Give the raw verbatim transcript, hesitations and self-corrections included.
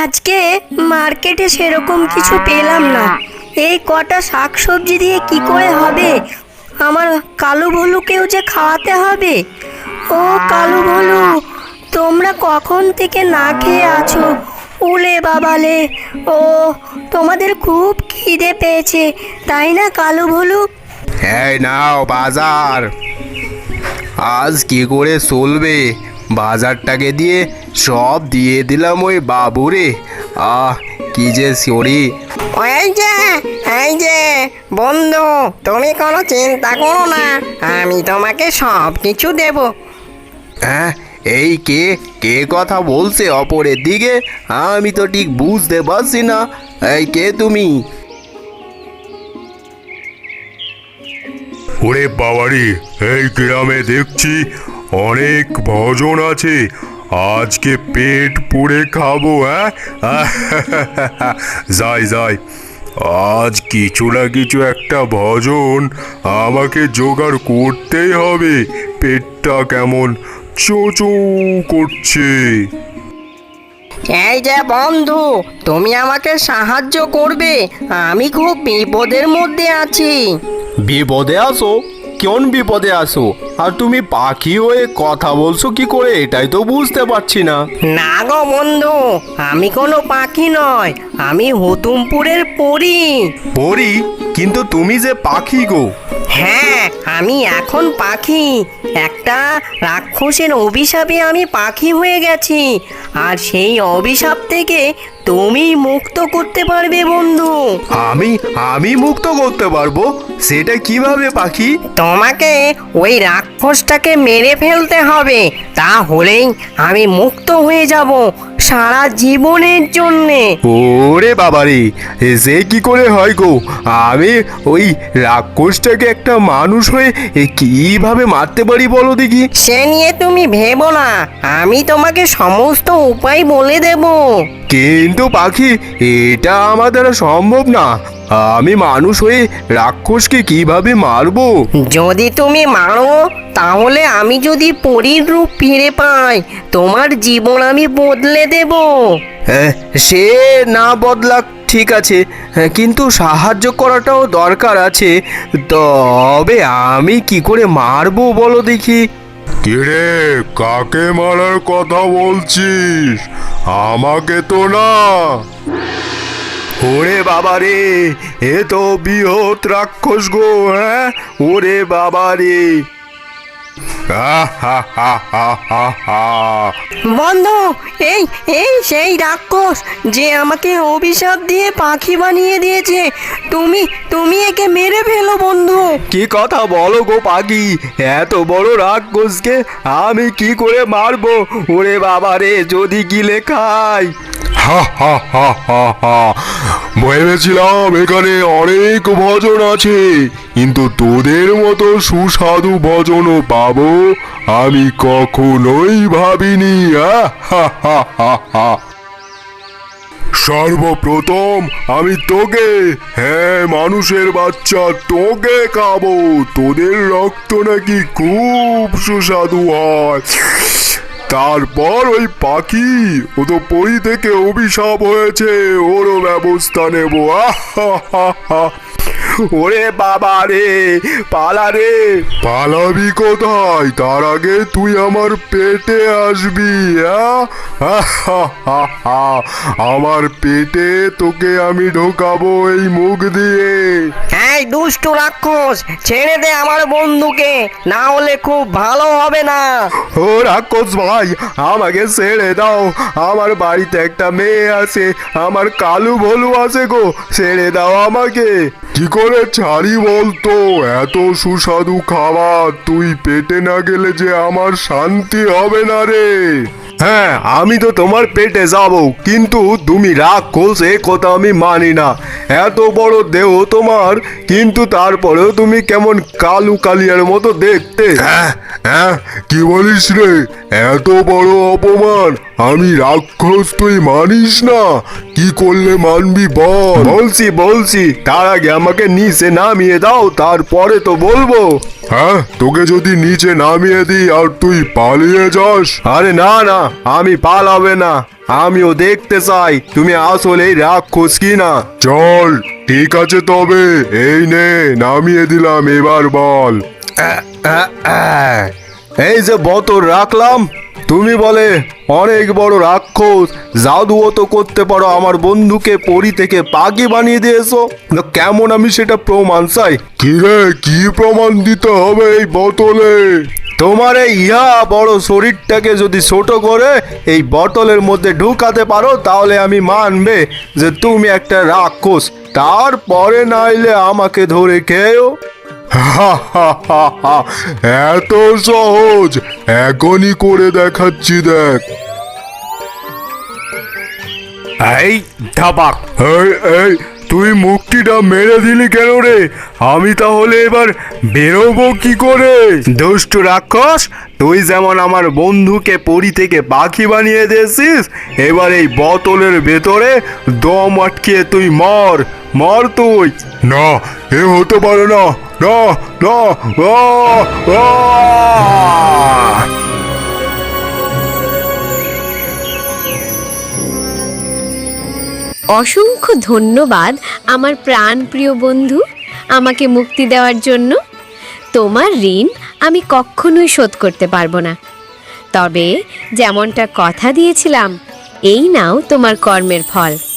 আজকে মার্কেটে সেরকম কিছু পেলাম না। এই কটা শাকসবজি দিয়ে কি করে হবে? আমার কালু ভলুকেও যে খাওয়াতে হবে। ও কালু ভলু, তোমরা কখন থেকে না খেয়ে আছো? উলে বাবালে, ও তোমাদের খুব খিদে পেয়েছে তাই না কালু ভলু? এই নাও বাজার। আজ কি করে চলবে? বাজারটাকে দিয়ে সব দিয়ে দিলাম ওই বাবুরে। আহ কি যে শরীর। এই যে এই যে বন্ধু, তুমি কোনো চিন্তা করো না, আমি তোমাকে সব কিছু দেব। হ্যাঁ, এই কে কে কথা বলছে অপরের দিকে? আমি তো ঠিক বুঝতে পারছি না। এই কে তুমি? ওরে বাবারি, এই গ্রামে দেখছি অনেক ভজন আছে, আজকে পেট পুড়ে খাবো। হ্যাঁ যাই যাই, আজ কিছু না কিছু একটা ভজন আমাকে জোগাড় করতেই হবে। পেটটা কেমন চোচো করছে। এই যে বন্ধু, তুমি আমাকে সাহায্য করবে, আমি খুব বিপদের মধ্যে আছি। বিপদে আসো? কোন বিপদে আসো? আর তুমি পাখি হয়ে কথা বলছো কি করে, এটাই তো বুঝতে পারছি না। না গো বন্ধু, আমি কোনো পাখি নয়, আমি হুতুমপুরের পরী। পরি? কিন্তু তুমি যে পাখি গো। হ্যাঁ, আমি এখন পাখি। একটা রাক্ষসের অভিশাপে আমি পাখি হয়ে গেছি, আর সেই অভিশাপ থেকে তুমি মুক্ত করতে পারবে বন্ধু। আমি আমি মুক্ত করতে পারবো? সেটা কিভাবে পাখি? তোমাকে ওই রাক্ষসটাকে মেরে ফেলতে হবে, তাহলেই আমি মুক্ত হয়ে যাব সারা জীবনের জন্যে। ওরে বাবারে, সে কি করে হয় গো? আমি ওই রাক্ষসটাকে একটা মানুষ হয়ে এ কিভাবে মারতে পারি বলো দেখি? সে নিয়ে তুমি ভেবো না, আমি তোমাকে সমস্ত উপায় বলে দেব। কিন্তু পাখি, এটা আমার দ্বারা সম্ভব না। আমি মানুষ হয়ে রাক্ষসকে কিভাবে মারবো? যদি তুমি মারো, তাহলে আমি যদি পরীর রূপ ফিরে পাই, তোমার জীবন আমি বদলে দেব। হ্যাঁ, সে না বদলাক ঠিক আছে, হ্যাঁ, কিন্তু সাহায্য করাটাও দরকার আছে। তবে আমি কি করে মারবো বলো দেখি? কিরে, কাকে মারার কথা বলছিস? আমাকে তো না। ওরে বাবা রে, এ তো বৃহৎ রাক্ষস গো। হ্যাঁ, ওরে বাবা রে। বন্ধু, এই এই সেই রাক্ষস যে আমাকে অভিশাপ দিয়ে পাখি বানিয়ে দিয়েছে। তুমি তুমি একে মেরে ফেলো বন্ধু। কি কথা বলো গো পাখি? এত বড় রাক্ষসকে আমি কি করে মারবো? ওরে বাবা রে, যদি গিলে খাই। হা হা হা হা হা, ভেবেছিলাম এখানে অনেক ভজন আছে, কিন্তু তোদের মতো সুস্বাদু ভজনও পাবো আমি কখনোই ভাবিনি। হা হা হা হা হা। সর্বপ্রথম আমি তোকে, হ্যাঁ মানুষের বাচ্চা, তোকে খাবো। তোদের রক্ত নাকি খুব সুস্বাদু হয়। তারপর ওই পাখি, ও তো পরি থেকে অভিশাপ হয়েছে, ওরও ব্যবস্থা নেব। ওরে বাবা রে, পালা রে। পালাবি কোথায়? তার আগে তুই আমার পেটে আসবি। আমার পেটে তোকে আমি ঢোকাবো এই মুখ দিয়ে। এই দুষ্টু রাক্ষস, ছেড়ে দে আমার বন্ধুকে, না হলে খুব ভালো হবে না। ও রাক্ষস ভাই, আমাকে ছেড়ে দাও। আমার বাড়িতে একটা মেয়ে আছে, আমার কালু ভলু আছে গো, ছেড়ে দাও আমাকে। কি করে ছাড়ি বলতো? এত সুস্বাদু খাবার তুই পেটে না গেলে যে আমার শান্তি হবে না রে। হ্যাঁ, আমি তো তোমার পেটে যাব, কিন্তু তুমি রাক্ষস এ কথা আমি মানি না। এত বড় দেহ তোমার, কিন্তু তারপরেও তুমি কেমন কালু কালিয়ার মতো দেখতে। হ্যাঁ হ্যাঁ, কি বলিস রে? এত বড় অপমান আমি রাক্ষস, তুই মানিস না? কি করলে মানবি বল? বলছি বলছি তার আগে আমাকে নিচে নামিয়ে দাও, তারপরে তো বলবো। হ্যাঁ, তোকে যদি নিচে নামিয়ে দিই আর তুই পালিয়ে যাস? আরে না না, আমি পালাবে না, আমিও দেখতে চাই তুমি আসলে রাক্ষস কি না। চল, ঠিক আছে, তবে এই নে নামিয়ে দিলাম, এবার বল। আহ, আহ, আহ। এই যে বোতল রাখলাম, তুমি বলে অনেক বড় রাক্ষস, জাদুও তো করতে পারো, আমার বন্ধুকে পরি থেকে পাখি বানিয়ে দিয়েছো, তো কেমন আমি সেটা প্রমাণ চাই। কি রে, কি প্রমাণ দিতে হবে এই বোতলে? তোমার এই ইহা বড় শরীরটাকে যদি ছোট করে এই বোতলের মধ্যে ঢুকাতে পারো, তাহলে আমি মানবে যে তুমি একটা রাক্ষস, তারপরে নাইলে আমাকে ধরে খেয়েও। এত সহজ? এখনই করে দেখাচ্ছি, দেখ। এই ধাবাক, এই এই তুই মুক্তিটা মেরে দিলি কেন রে? আমি তাহলে এবার বেরোবো কি করে? দুষ্টু রাক্ষস, তুই যেমন আমার বন্ধুকে পরি থেকে পাখি বানিয়ে দিয়েছিস, এবার এই বোতলের ভেতরে দম আটকিয়ে তুই মর, মর তুই। না, এ হতে পারে না, না না, আহ, আহ! অসংখ্য ধন্যবাদ আমার প্রাণপ্রিয় বন্ধু, আমাকে মুক্তি দেওয়ার জন্য। তোমার ঋণ আমি কখনোই শোধ করতে পারবো না, তবে যেমনটা কথা দিয়েছিলাম, এই নাও তোমার কর্মের ফল।